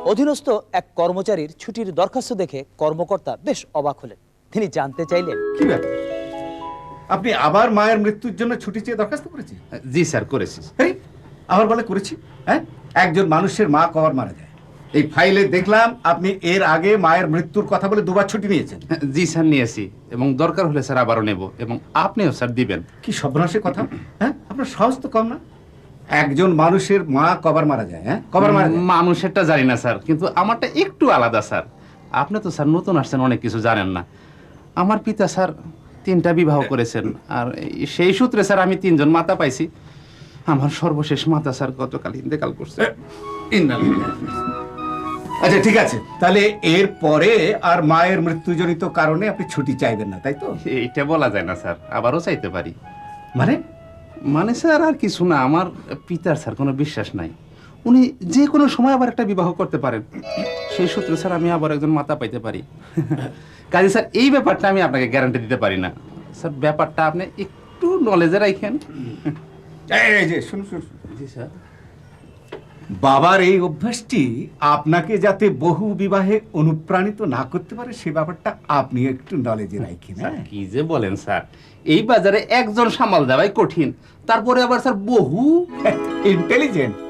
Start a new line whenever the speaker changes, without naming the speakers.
অধীনস্থ এক কর্মচারীর ছুটির দরখাস্ত দেখে কর্মকর্তা বেশ অবাক হলেন। তিনি জানতে চাইলেন,
কি ব্যাপার, আপনি আবার মায়ের মৃত্যুর জন্য ছুটি চেয়ে দরখাস্ত করেছি?
জি স্যার, করেছি।
আবার বলে করেছি? হ্যাঁ, একজন মানুষের মা কবার মারা যায়? এই ফাইলে দেখলাম আপনি এর আগে মায়ের মৃত্যুর কথা বলে দুবার ছুটি নিয়েছেন।
জি স্যার, নিয়েছি, এবং দরকার হলে স্যার আবারও নেব, এবং আপনিও স্যার দিবেন।
কি সর্বনাশের কথা! হ্যাঁ, আপনার সাহস তো কম না। একজন মানুষের মা কবার মারা যায়? হ্যাঁ, কবার মারা যায়?
মানুষেরটা জানি না স্যার, কিন্তু আমারটা একটু আলাদা স্যার। আপনি তো স্যার নতুন আসছেন, অনেক কিছু জানেন না। আমার পিতা স্যার 3টা বিবাহ করেছেন, আর সেই সূত্রে স্যার আমি 3জন মাতা পাইছি। আমার সর্বশেষ মাতা স্যার গতকাল ইন্তেকাল করছে।
আচ্ছা ঠিক আছে, তাহলে এর পরে আর মায়ের মৃত্যুজনিত কারণে আপনি ছুটি চাইবেন না, তাই তো?
এইটা বলা যায় না স্যার, আবারও চাইতে পারি।
মানে?
মানে স্যার আর কিছু না, আমার পিতার স্যার কোনো বিশ্বাস নাই। উনি যে কোনো সময় আবার একটা বিবাহ করতে পারেন। সেই সূত্রে স্যার আমি আবার একজন মাতা পাইতে পারি। কাজে স্যার এই ব্যাপারটা আমি আপনাকে গ্যারান্টি দিতে পারি না স্যার। ব্যাপারটা আপনি একটু নলেজে রাখেন।
এই যে শুনুন শুনুন।
জি স্যার।
বাবার এই অভ্যাসটি আপনাকে যাতে বহু বিবাহে অনুপ্রাণিত না করতে পারে সে ব্যাপারটা আপনি একটু নলেজে রাখেন।
স্যার কি যে বলেন স্যার, এই বাজারে একজন সামাল দেওয়াই কঠিন, তারপরে আবার স্যার বহু।
ইন্টেলিজেন্ট।